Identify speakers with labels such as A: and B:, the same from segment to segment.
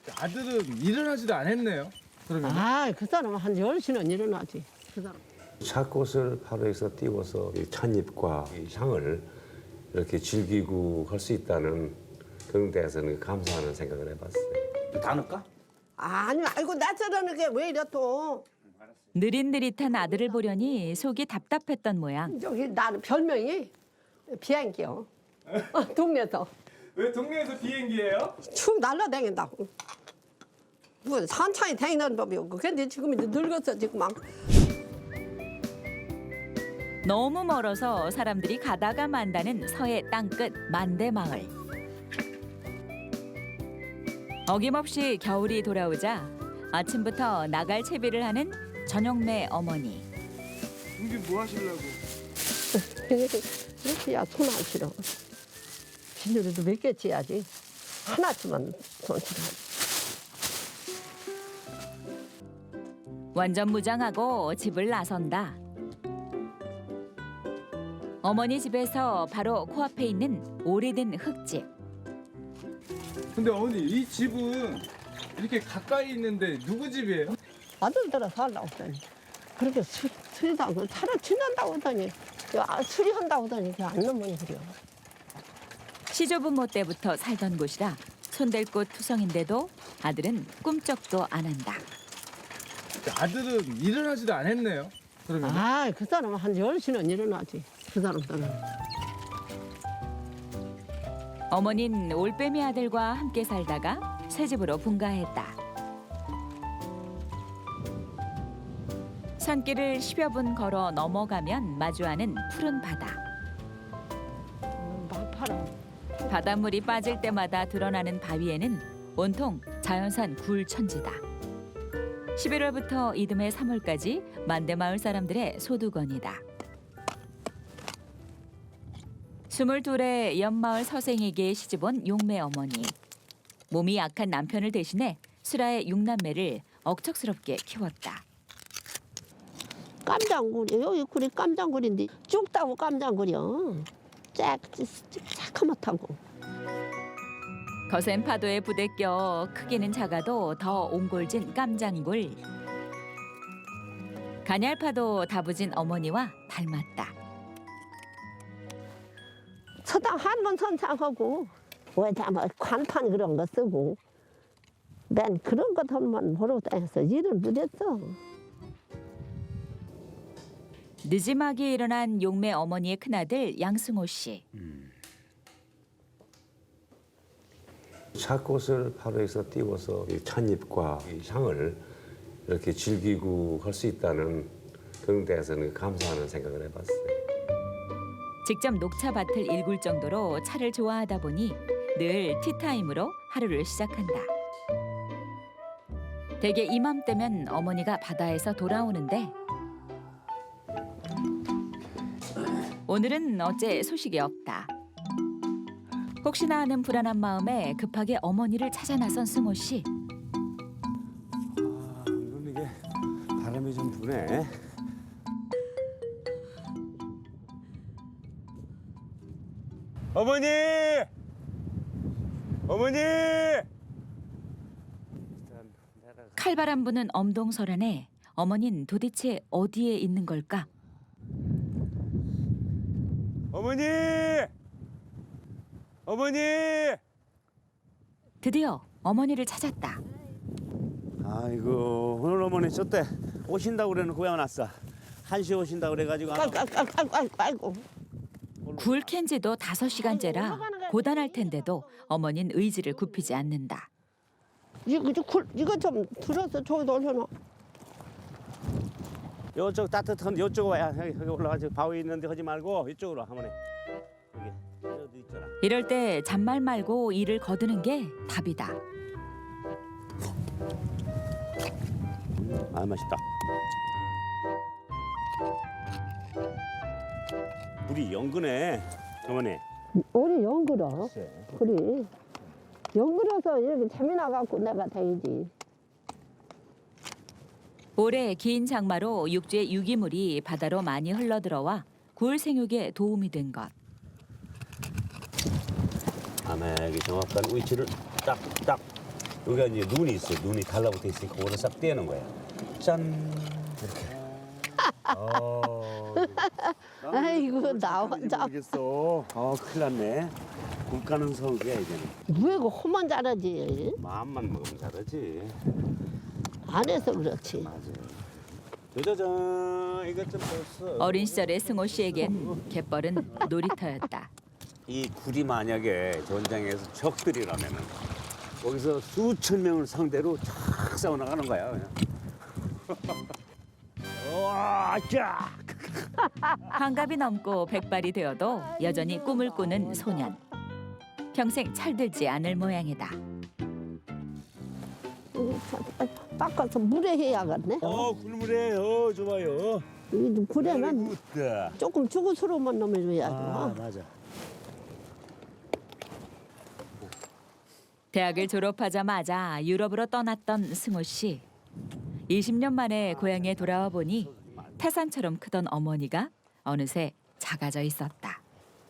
A: 아들은 일어나지도 않았네요. 그러면
B: 그 사람은 한 10시는 일어나지. 그 사람.
C: 찻꽃을 바로에서 띄워서 이 찻잎과 이 향을 이렇게 즐기고 할 수 있다는 그런 데에서는 감사하는 생각을 해봤어요.
D: 다 넣을까?
B: 아니, 아이고, 나 저러는 게 왜 이래 또.
E: 느릿느릿한 아들을 보려니 속이 답답했던 모양.
B: 저기 나는 별명이 비행기요. 동네에서.
A: 왜 동네에서 비행기예요?
B: 춤 날라다닌다고. 뭐 천천히 다니는 법이 없고. 근데 지금 이제 늙었어, 지금 막.
E: 너무 멀어서 사람들이 가다가 만다는 서해 땅끝 만대마을. 어김없이 겨울이 돌아오자 아침부터 나갈 채비를 하는 전영매 어머니.
A: 이게 뭐 하시려고?
B: 이렇게 야, 손 안 실어. 비닐도 몇 개 찌야지. 하나쯤은 손 실어.
E: 완전 무장하고 집을 나선다. 어머니 집에서 바로 코앞에 있는 오래된 흙집.
A: 근데 어머니 이 집은 이렇게 가까이 있는데 누구 집이에요?
B: 아들들아 살라고 하더니 그렇게 수리다고 차를 지난다고 하더니 수리한다고 하더니 그게 안 넘으니 그래요.
E: 시조부모 때부터 살던 곳이라 손댈 곳 투성인데도 아들은 꿈쩍도 안 한다.
A: 아들은 일어나지도 않았네요. 그러면
B: 그 사람은 한 10시는 일어나지. 그 사람들은.
E: 어머니는 올빼미 아들과 함께 살다가 새 집으로 분가했다. 산길을 10여 분 걸어 넘어가면 마주하는 푸른 바다.
B: 막파라.
E: 바닷물이 빠질 때마다 드러나는 바위에는 온통 자연산 굴 천지다. 11월부터 이듬해 3월까지 만대마을 사람들의 소두건이다. 22의 옆마을 서생에게 시집온 용매 어머니. 몸이 약한 남편을 대신해 수라의 6남매를 억척스럽게 키웠다.
B: 깜장굴이 여기 굴이 깜장굴인데 쭉 따고 깜장굴이요. 새카맣다고.
E: 거센 파도에 부대껴 크기는 작아도 더 옹골진 깜장굴. 가냘파도 다부진 어머니와 닮았다.
B: 서당 한 번 선창하고 왜다 뭐 관판 그런 거 쓰고 맨 그런 것들만 보러 다녔어. 일을 못했어.
E: 늦지막이 일어난 용매 어머니의 큰아들 양승호 씨.
C: 찻꽃을 바로에서 띄워서 이 찻잎과 이 향을 이렇게 즐기고 할 수 있다는 그런 데에서는 감사하는 생각을 해봤어요.
E: 직접 녹차밭을 일굴 정도로 차를 좋아하다 보니 늘 티타임으로 하루를 시작한다. 대개 이맘때면 어머니가 바다에서 돌아오는데 오늘은 어째 소식이 없다. 혹시나 하는 불안한 마음에 급하게 어머니를 찾아 나선 승호 씨.
C: 오늘 이게 바람이 좀 부네. 어머니! 어머니!
E: 칼바람 부는 엄동설안에 어머닌 도대체 어디에 있는 걸까?
C: 어머니! 어머니!
E: 드디어 어머니를 찾았다.
D: 아이고 오늘 어머니 저때 오신다고 그래놓고 왜 안 왔어? 1시에 오신다고 그래가지고
B: 아이고.
E: 굴 캔지도 5시간째라 고단할 텐데도 어머니는 의지를 굽히지 않는다.
B: 이거 좀 들어서 저기 올려놔.
D: 요쪽 따뜻한 요쪽 와야 여기 올라가서 바위 있는데 하지 말고 이쪽으로 와, 어머니. 여기 어디 있잖아.
E: 이럴 때 잔말 말고 일을 거두는 게 답이다.
D: 아 맛있다. 물이 연근해 어머니.
B: 우리 연그러. 그래. 연그러서 이렇게 재미나갖고 내가 다니지.
E: 올해 긴 장마로 육지의 유기물이 바다로 많이 흘러들어와 굴 생육에 도움이 된 것.
D: 아메기 정확한 위치를 딱딱 여기가 이제 눈이 있어요. 눈이 달라붙어 있으니까 그거를 싹 떼는 거야. 짠 이렇게.
B: 아이고 나 혼자
D: 모르겠어. 큰일 났네. 굴 까는 성기야 이제는.
B: 왜 그 호만 잘하지?
D: 마음만 먹으면 잘하지.
B: 안 해서 그렇지.
D: 맞아. 짜자잔 이것 좀 봤어.
E: 어린 시절의 승호 씨에겐 갯벌은 놀이터였다.
D: 이 굴이 만약에 전장에서 적들이라면은 거기서 수천 명을 상대로 쫙 싸워 나가는 거야 그냥. 와, 쫙.
E: 환갑이 넘고 백발이 되어도 여전히 꿈을 꾸는 소년. 평생 철들지 않을 모양이다.
B: 닦아서 물에 해야겠네.
D: 굴물에 좋아요.
B: 이 굴에는
D: 굿다.
B: 조금 죽어서로만 넘어줘야죠.
D: 맞아.
E: 대학을 졸업하자마자 유럽으로 떠났던 승호 씨. 20년 만에 고향에 돌아와 보니 태산처럼 크던 어머니가 어느새 작아져 있었다.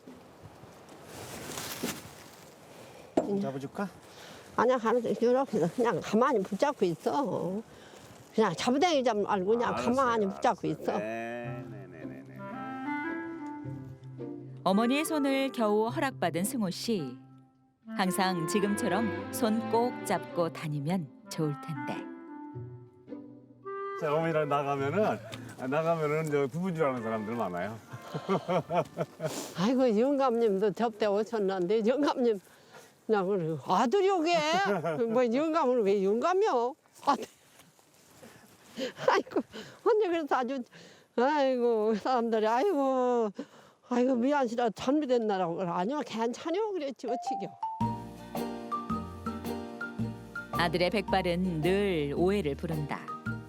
D: 잡아줄까?
B: 아니야 하는데 이렇게 그냥 가만히 붙잡고 있어. 그냥 잡아당기 잡 말고 그냥 가만히 붙잡고 있어.
D: 네네네네.
E: 어머니의 손을 겨우 허락받은 승호 씨. 항상 지금처럼 손 꼭 잡고 다니면 좋을 텐데.
D: 자, 어머니랑 나가면은 저 부부인 줄 아는 사람들 많아요.
B: 아이고 영감님도 접대 오셨는데 영감님 나 그래 아들이 오게 뭐 영감은 왜 영감이요? 아들. 아이고 언니 그래서 아주 아이고 사람들이 아이고 미안시라 잘못됐나라고 그래. 아니요 괜찮요 그랬지 어찌겨.
E: 아들의 백발은 늘 오해를 부른다.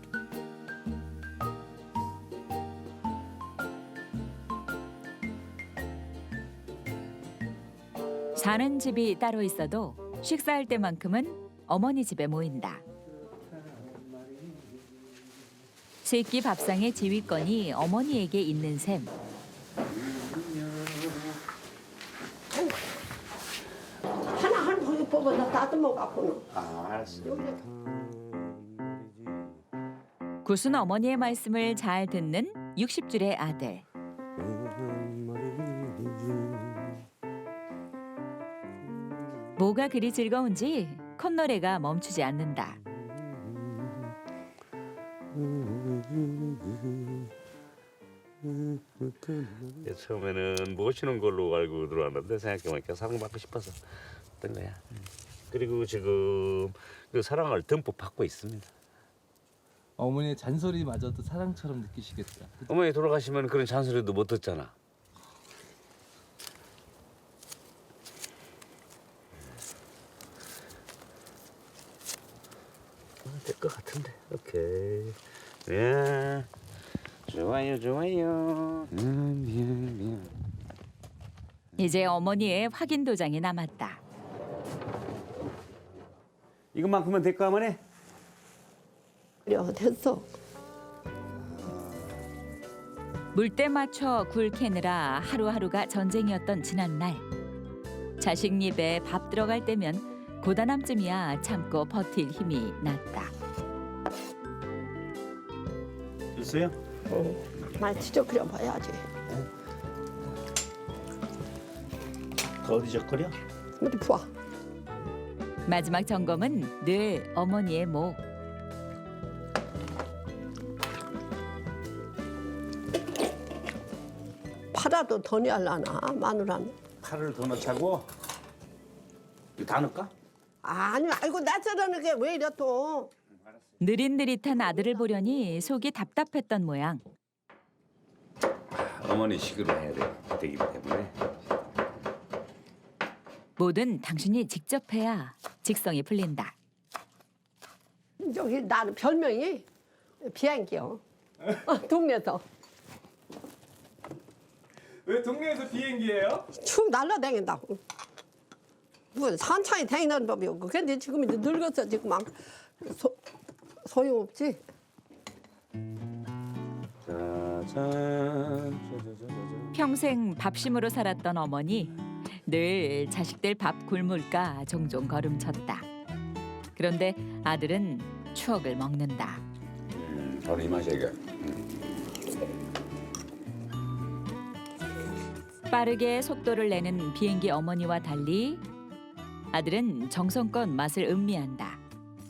E: 사는 집이 따로 있어도 식사할 때만큼은 어머니 집에 모인다. 세끼 밥상의 지휘권이 어머니에게 있는 셈.
B: 하나 거기 뽑아서 다듬어 갖고는.
D: 알았어.
E: 구순 어머니의 말씀을 잘 듣는 60줄의 아들. 뭐가 그리 즐거운지 콧노래가 멈추지 않는다.
D: 처음에는 모시는 걸로 알고 들어왔는데 생각해보니까 사랑받고 싶어서 어떤 거야. 그리고 지금 그 사랑을 듬뿍 받고 있습니다.
A: 어머니의 잔소리마저도 사랑처럼 느끼시겠다.
D: 어머니 돌아가시면 그런 잔소리도 못 듣잖아. 될 것 같은데. 오케이. 예. 좋아요. 미안.
E: 이제 어머니의 확인 도장이 남았다.
D: 이것만큼은 될까 어머니?
B: 그래 됐어.
E: 물때 맞춰 굴 캐느라 하루하루가 전쟁이었던 지난날. 자식 입에 밥 들어갈 때면 고단함쯤이야 참고 버틸 힘이 났다.
D: 됐어요?
B: 말 지적거려 봐야지.
D: 더 어디 적거려?
B: 어디 부어.
E: 마지막 점검은 늘 어머니의 목.
B: 팔아도 더 내려나 마누라는.
D: 팔을 더 넣자고? 이거 다 넣을까?
B: 아니 아이고 나 저러는 게 왜 이래 또.
E: 느릿느릿한 아들을 보려니 속이 답답했던 모양.
D: 어머니 식으로 해야 되기 때문에.
E: 뭐든 당신이 직접 해야 직성이 풀린다.
B: 저기 나는 별명이 비행기요. 동네에서
A: 왜 동네에서 비행기예요?
B: 축 날라다닌다고. 뭐 산창이 다니는 법이 없고. 근데 지금 이제 늙어서 지금 막 소용없지.
E: 평생 밥심으로 살았던 어머니. 늘 자식들 밥 굶을까 종종 걸음쳤다. 그런데 아들은 추억을 먹는다.
C: 바로 이 맛이야 이게.
E: 빠르게 속도를 내는 비행기 어머니와 달리 아들은 정성껏 맛을 음미한다.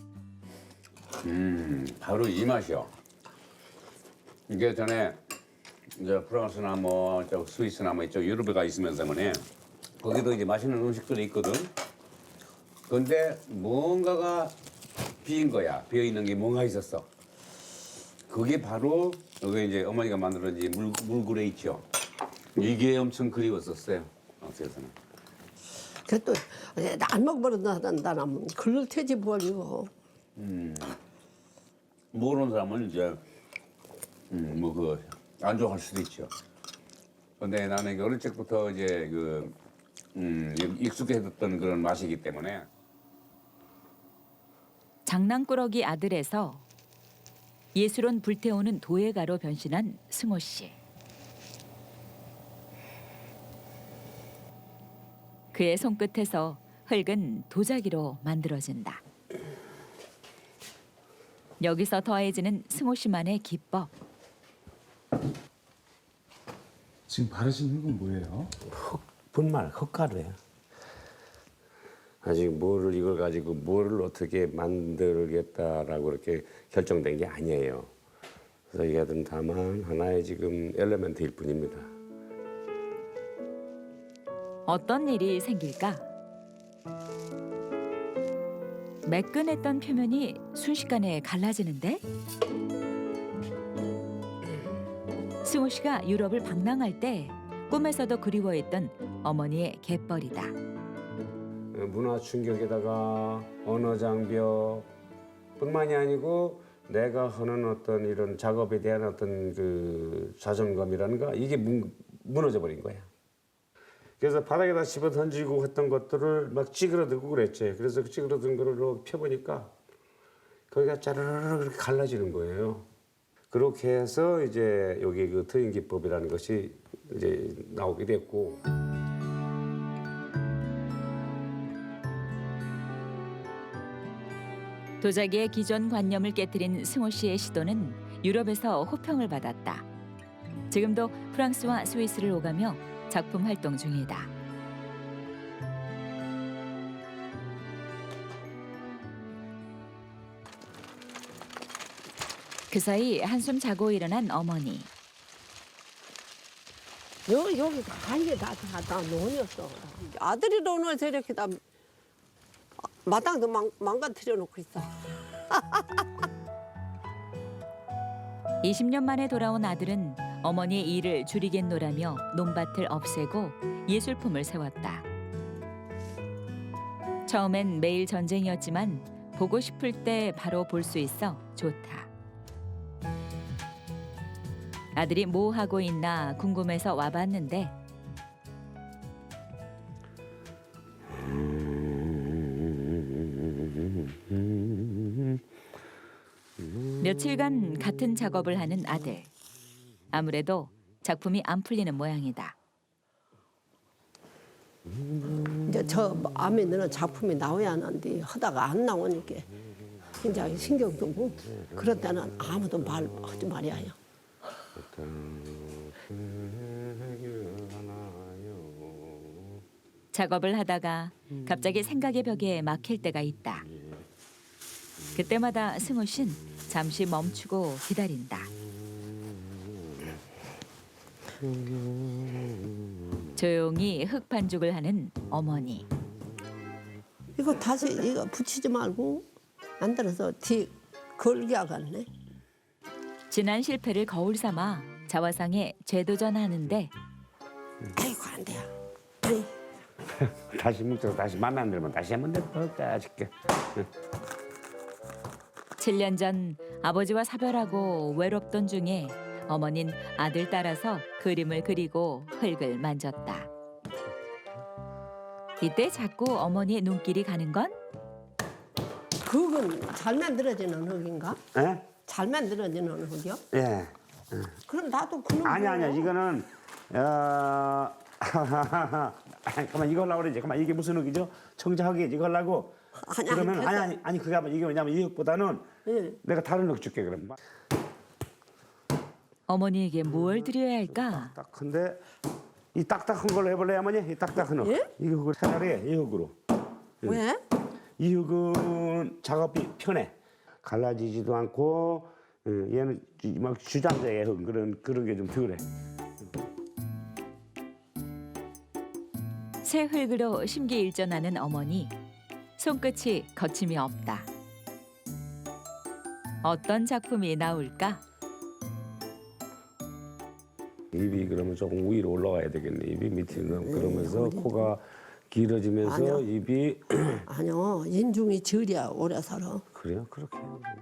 C: 바로 이 맛이요. 이게 전에 이제 프랑스나 뭐 스위스나 뭐 이쪽 유럽에 가 있으면서 뭐네 거기도 이제 맛있는 음식들이 있거든. 근데 뭔가가 비인 거야. 비어 있는 게 뭔가 있었어. 그게 바로 여기 이제 어머니가 만들어진 이 물구레 있죠. 이게 엄청 그리웠었어요. 어디서는.
B: 그또 안 먹어버린다면 그럴 테지 뭘 이거.
C: 모르는 사람은 이제 뭐 그 안 좋아할 수도 있죠. 근데 나는 이게 어릴 적부터 이제 그 익숙해졌던 그런 맛이기 때문에.
E: 장난꾸러기 아들에서 예술은 불태우는 도예가로 변신한 승호 씨. 그의 손끝에서 흙은 도자기로 만들어진다. 여기서 더해지는 승호 씨만의 기법.
A: 지금 바르시는 건 뭐예요?
C: 분말 흙가루예요. 아직 뭐를 이걸 가지고 뭐를 어떻게 만들겠다라고 이렇게 결정된 게 아니에요. 그래서 이게 다만 하나의 지금 엘리멘트일 뿐입니다.
E: 어떤 일이 생길까? 매끈했던 표면이 순식간에 갈라지는데? 승호 씨가 유럽을 방랑할 때 꿈에서도 그리워했던 어머니의 갯벌이다.
C: 문화 충격에다가 언어 장벽 뿐만이 아니고 내가 하는 어떤 이런 작업에 대한 어떤 그 자존감이라는가 이게 무너져 버린 거야. 그래서 바닥에다 집어 던지고 했던 것들을 막 찌그러들고 그랬지. 그래서 그 찌그러든 거를 펴보니까 거기가 짜르르르 그렇게 갈라지는 거예요. 그렇게 해서 이제 여기 그 트임 기법이라는 것이 이제 나오게 됐고.
E: 도자기의 기존 관념을 깨뜨린 승호 씨의 시도는 유럽에서 호평을 받았다. 지금도 프랑스와 스위스를 오가며 작품 활동 중이다. 그 사이 한숨 자고 일어난 어머니.
B: 여기 다 이게 다 논이었어. 아들이 오늘 저렇게 다 마당도 망가뜨려 놓고 있어.
E: 20년 만에 돌아온 아들은 어머니의 일을 줄이겠노라며 논밭을 없애고 예술품을 세웠다. 처음엔 매일 전쟁이었지만 보고 싶을 때 바로 볼 수 있어 좋다. 아들이 뭐 하고 있나 궁금해서 와봤는데 며칠간 같은 작업을 하는 아들. 아무래도 작품이 안 풀리는 모양이다.
B: 이제 저 암에 드는 작품이 나와야 하는데 하다가 안 나오니까 굉장히 신경 쓰고 그럴 때는 아무도 말하지 말아요.
E: 작업을 하다가 갑자기 생각의 벽에 막힐 때가 있다. 그때마다 승우 씨는 잠시 멈추고 기다린다. 조용히 흙 반죽을 하는 어머니.
B: 이거 다시 이거 붙이지 말고 만들어서 뒤 걸게 하겠네.
E: 지난 실패를 거울 삼아 자화상에 재도전하는데
B: 아이고 안 돼요. 아이,
C: 다시 묵혀서 다시 마음에 안 들면 다시 한번 더 따줄게.
E: 7년 전 아버지와 사별하고 외롭던 중에 어머니는 아들 따라서 그림을 그리고 흙을 만졌다. 이때 자꾸 어머니의 눈길이 가는 건
B: 그건 잘 만들어지는 흙인가?
C: 예?
B: 잘 만들어지는 흙이요?
C: 예.
B: 그럼 나도 그런
C: 아니야 이거는 잠깐만 이거 하려고 그러지. 잠깐만 이게 무슨 흙이죠? 청자흙이 이거 하려고
B: 아니,
C: 그러면
B: 됐어.
C: 아니 그게 아마 이게 뭐냐면 이 흙보다는
B: 예.
C: 내가 다른 흙 줄게 그럼.
E: 어머니에게 뭘 드려야 할까?
C: 딱한데 이 딱딱한 걸로 해볼래 어머니? 이 딱딱한 흙.
B: 예?
C: 이 흙을 차라리 이 흙으로.
B: 왜?
C: 이 흙은 작업이 편해. 갈라지지도 않고 얘는 막 주장자의 흙 그런 게 좀 덜해.
E: 새 흙으로 심기일전하는 어머니. 손끝이 거침이 없다. 어떤 작품이 나올까?
C: 입이 그러면 조금 위로 올라가야 되겠네. 입이 밑으로 그러면서 코가 길어지면서
B: 아니요.
C: 입이
B: 아니요, 인중이 저리야 오래 살아.
C: 그래요? 그렇게.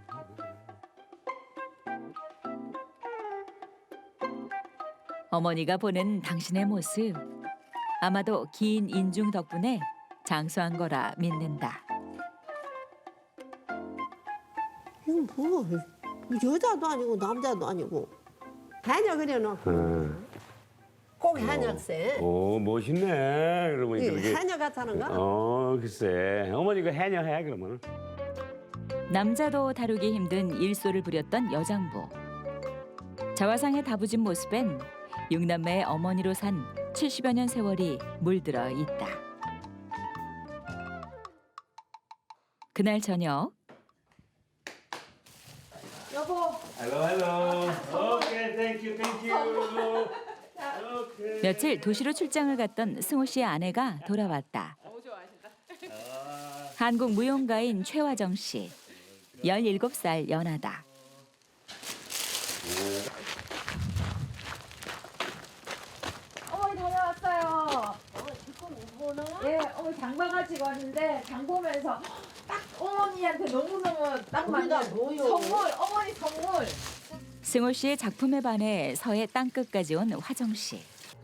E: 어머니가 보는 당신의 모습. 아마도 긴 인중 덕분에 장수한 거라 믿는다.
B: 이건 뭐 여자도 아니고 남자도 아니고 해녀 그려놓고 꼭 해녀세.
C: 오 멋있네. 그러면
B: 이
C: 그렇게.
B: 해녀 같다는 거?
C: 글쎄. 어머니가 해녀해 그러면.
E: 남자도 다루기 힘든 일소를 부렸던 여장부. 자화상의 다부진 모습엔 육남매의 어머니로 산 70여 년 세월이 물들어 있다. 그날 저녁
D: Hello. Okay, thank you.
E: 며칠 도시로 출장을 갔던 승호 씨의 아내가 돌아왔다. 한국 무용가인 최화정 씨. 17살 연하다.
F: 어머니 다녀왔어요. 예, 어머니 장 봐가지고 왔는데 장 보면서 딱 어머니한테 너무너무 딱 맞는 선물, 어머니 선물.
E: 승호 씨의 작품에 반해 서해 땅끝까지 온 화정 씨.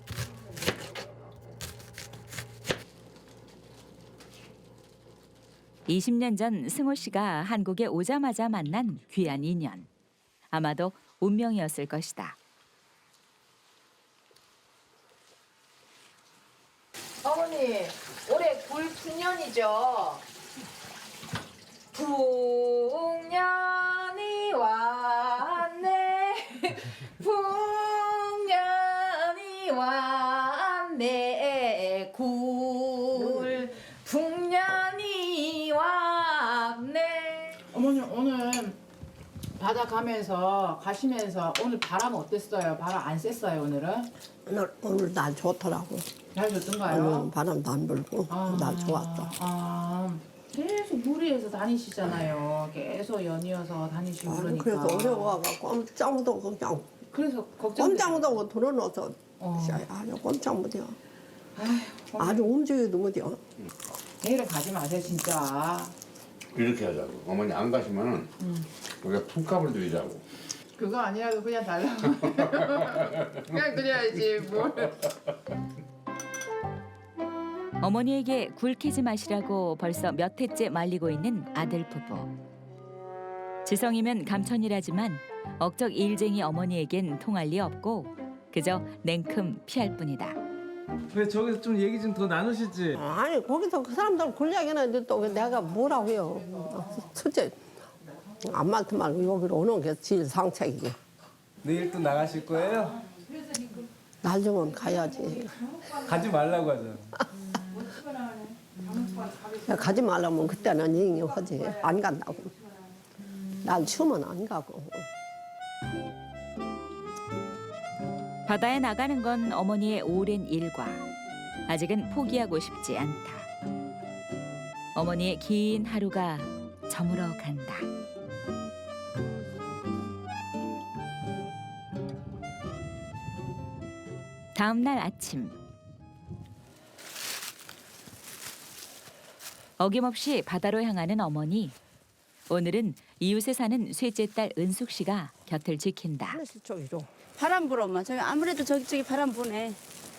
E: (20년) 전 승호 씨가 한국에 오자마자 만난 귀한 인연. 아마도 운명이었을 것이다.
F: 어머니 올해 불풍년이죠. 풍년이 왔네. 풍년이 왔네. 풍년이 왔네.
G: 어머니 오늘 바다 가시면서 오늘 바람 어땠어요? 바람 안 쐈어요 오늘은?
B: 오늘 날 좋더라고.
G: 잘 줬던가요?
B: 바람도 안 불고 날 좋았다.
G: 계속 무리해서 다니시잖아요. 계속 연이어서 다니시고 그러니까.
B: 그래서 어려워가지고 꼼짝도 그냥
G: 그래서 걱정.
B: 꼼짝도 들어놓아서 아주 꼼짝 못해요. 아주 움직여도 못해요.
G: 내일은 가지 마세요 진짜.
C: 이렇게 하자고. 어머니 안 가시면은 우리가 품값을 드리자고.
G: 그거 아니라도 그냥 달라고. 그냥 그래야지 뭘.
E: 어머니에게 굴캐지 마시라고 벌써 몇 해째 말리고 있는 아들 부부. 지성이면 감천이라지만 억적 일쟁이 어머니에겐 통할 리 없고 그저 냉큼 피할 뿐이다.
A: 왜 저기서 좀 얘기 좀 더 나누시지?
B: 아니 거기서 그 사람들 굴려야겠는데 또 내가 뭐라고 해요. 첫째 안 많든 말고 여기로 오는 게 제일 상책이고.
A: 내일 또 나가실 거예요?
B: 날 주면 가야지.
A: 가지 말라고 하잖아.
B: 가지 말라면 그때는 얘기하지. 안 간다고. 날 추면 안 가고.
E: 바다에 나가는 건 어머니의 오랜 일과. 아직은 포기하고 싶지 않다. 어머니의 긴 하루가 저물어 간다. 다음 날 아침. 어김없이 바다로 향하는 어머니. 오늘은 이웃에 사는 셋째 딸 은숙 씨가 곁을 지킨다.
B: 하늘씨 쪽으로.
H: 바람 불어 엄마. 저기 아무래도 저기 바람 부네.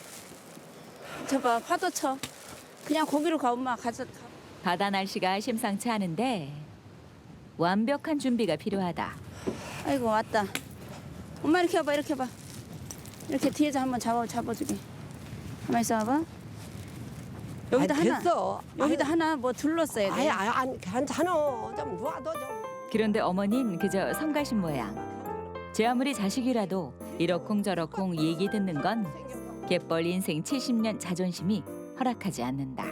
H: 저봐 파도 쳐. 그냥 거기로 가 엄마. 가자.
E: 바다 날씨가 심상치 않은데 완벽한 준비가 필요하다.
H: 아이고 왔다. 엄마 이렇게 해봐 이렇게 해봐. 이렇게 뒤에서 한번 잡아주게. 가만 있어 봐봐. 여기다
B: 아이,
H: 하나.
B: 됐어.
H: 여기다 하나 뭐 둘렀어야 돼.
B: 안 괜찮아. 좀 놔둬 좀.
E: 그런데 어머니는 그저 성가신 모양. 제 아무리 자식이라도 이러쿵저러쿵 얘기 듣는 건 갯벌 인생 70년 자존심이 허락하지 않는다.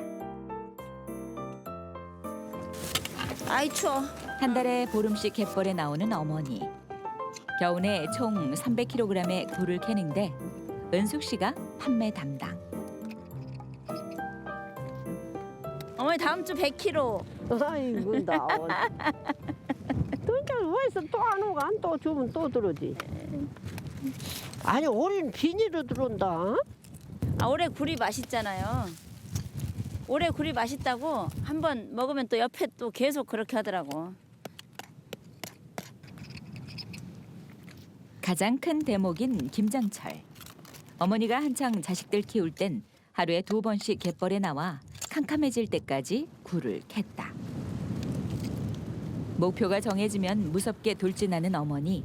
H: 아이 추워.
E: 한 달에 보름씩 갯벌에 나오는 어머니. 겨우내 총 300kg의 굴을 캐는데 은숙 씨가 판매 담당.
H: 어머니 다음 주 100kg.
B: 아이고 나. 그러니까 왜서 또 안 오고 안 또 주면 또 들어오지. 아니 올해는 비닐로 들어온다.
H: 아 올해 굴이 맛있잖아요. 올해 굴이 맛있다고 한번 먹으면 또 옆에 또 계속 그렇게 하더라고.
E: 가장 큰 대목인 김장철. 어머니가 한창 자식들 키울 땐 하루에 2번씩 갯벌에 나와 캄캄해질 때까지 굴을 캤다. 목표가 정해지면 무섭게 돌진하는 어머니.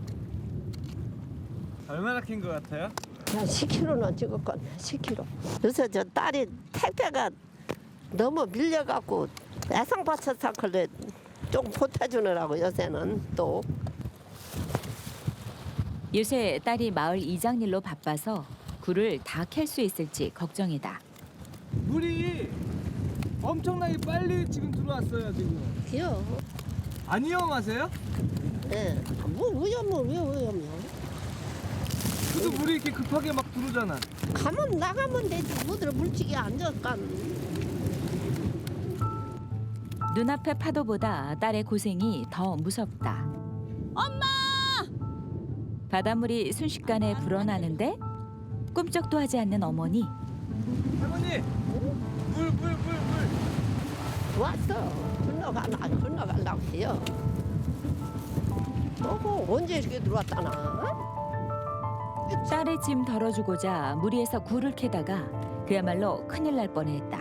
A: 얼마나 캔 것 같아요?
B: 한 10kg는 찍었건 10kg. 요새 저 딸이 택배가 너무 밀려갖고 애상받쳐서 그래 좀 보태주느라고 요새는 또.
E: 요새 딸이 마을 이장 일로 바빠서 굴을 다 캘 수 있을지 걱정이다.
A: 물이 엄청나게 빨리 지금 들어왔어요 지금.
B: 귀여워.
A: 안 위험하세요?
B: 예. 뭐 위험이야.
A: 그래도 물이 이렇게 급하게 막 들어오잖아.
B: 가면 나가면 되지. 뭐들 물치기 앉았간.
E: 눈앞의 파도보다 딸의 고생이 더 무섭다. 엄마! 바닷물이 순식간에 불어나는데 꿈쩍도 하지 않는 어머니.
A: 할머니, 물.
B: 왔어. 건너가려고 해요. 언제 이렇게 들어왔다나?
E: 딸의 짐 덜어주고자 무리해서 굴을 캐다가 그야말로 큰일 날 뻔했다.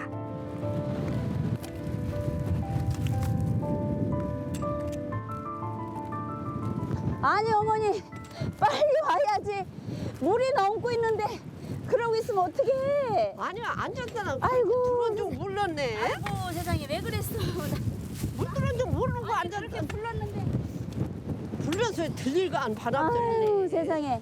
H: 아니 어머니 빨리 와야지. 물이 넘고 있는데 그러고 있으면 어떡해.
B: 아니야 앉았잖아.
H: 아이고.
B: 들어온 줄 몰랐네.
H: 아이고 세상에 왜 그랬어.
B: 물 들어온 줄 모르고
H: 아니,
B: 앉았다.
H: 그렇게 불렀는데.
B: 불러서 들릴까 안 바람
H: 아유
B: 들리네.
H: 세상에.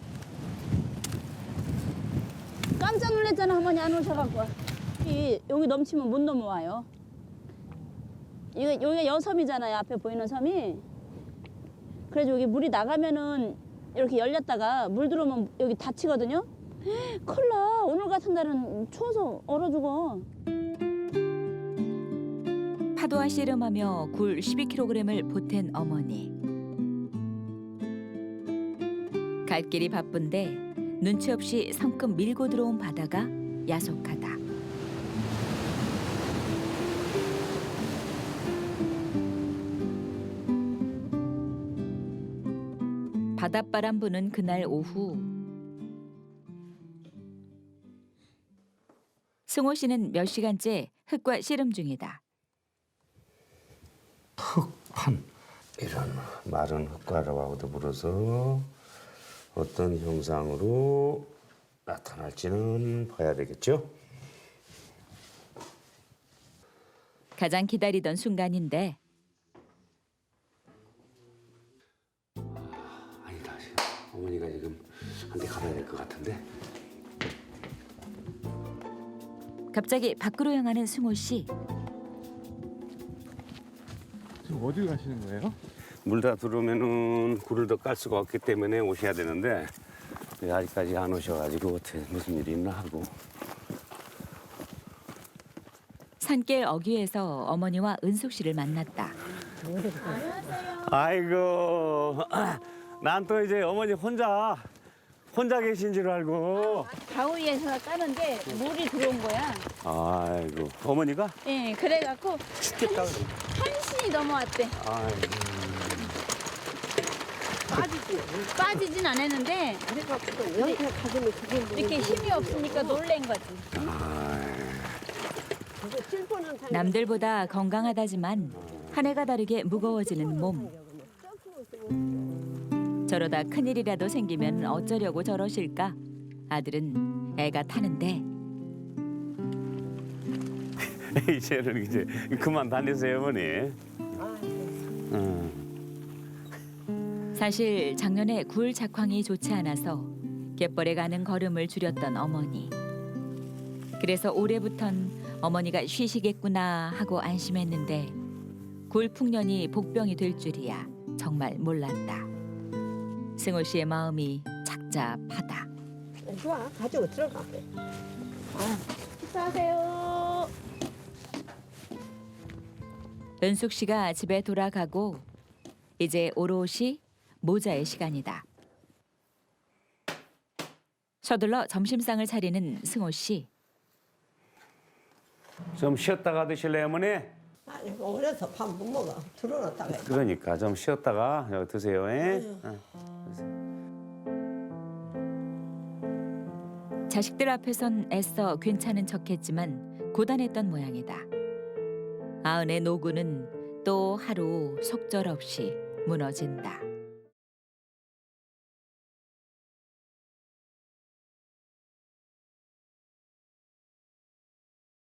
H: 깜짝 놀랐잖아 어머니 안 오셔갖고. 여기 넘치면 못 넘어와요. 여기가 여섬이잖아요 앞에 보이는 섬이. 그래서 여기 물이 나가면은 이렇게 열렸다가 물 들어오면 여기 닫히거든요. 큰일 나. 오늘 같은 날은 추워서 얼어 죽어.
E: 파도와 씨름하며 굴 12kg을 보탠 어머니. 갈 길이 바쁜데 눈치 없이 성큼 밀고 들어온 바다가 야속하다. 바닷바람 부는 그날 오후. 승호 씨는 몇 시간째 흙과 씨름 중이다.
C: 흙판 이런 마른 흙가루하고 더불어서 어떤 형상으로 나타날지는 봐야 되겠죠.
E: 가장 기다리던 순간인데
C: 아니다. 어머니가 지금 한 대 가봐야 될 것 같은데.
E: 갑자기 밖으로 향하는 승호 씨.
A: 지금 어디 가시는 거예요?
C: 물 다 들어오면은 굴을 더 깔 수가 없기 때문에 오셔야 되는데 아직까지 안 오셔가지고 어떻게 무슨 일이 있나 하고.
E: 산길 어귀에서 어머니와 은숙 씨를 만났다.
C: 아이고, 난 또 이제 어머니 혼자 계신 줄 알고.
H: 가위에서 까는데 물이 들어온 거야.
C: 아이고, 어머니가
H: 예, 그래갖고
C: 춥겠다.
H: 한신이 넘어왔대.
C: 아이고.
H: 빠지진 않았는데
B: 그래갖고 연태 가슴이 그게
H: 이렇게 힘이 없으니까 놀란 거지.
E: 남들보다 건강하다지만 한 해가 다르게 무거워지는 몸. 저러다 큰일이라도 생기면 어쩌려고 저러실까? 아들은 애가 타는데
C: 이제는 이제 그만 다니세요, 어머니.
E: 사실 작년에 굴 작황이 좋지 않아서 갯벌에 가는 걸음을 줄였던 어머니. 그래서 올해부턴 어머니가 쉬시겠구나 하고 안심했는데 굴 풍년이 복병이 될 줄이야 정말 몰랐다. 승호 씨의 마음이 착잡하다.
B: 좋아, 가지고 들어가.
H: 식사하세요.
E: 은숙 씨가 집에 돌아가고 이제 오롯이 모자의 시간이다. 서둘러 점심상을 차리는 승호 씨.
C: 좀 쉬었다가 드실래요, 어머니?
B: 아니, 오래서 밥 못 먹어. 들어놨다가.
C: 그러니까 좀 쉬었다가 여기 드세요.
E: 자식들 앞에선 애써 괜찮은 척했지만 고단했던 모양이다. 아은의 노고는 또 하루 속절없이 무너진다.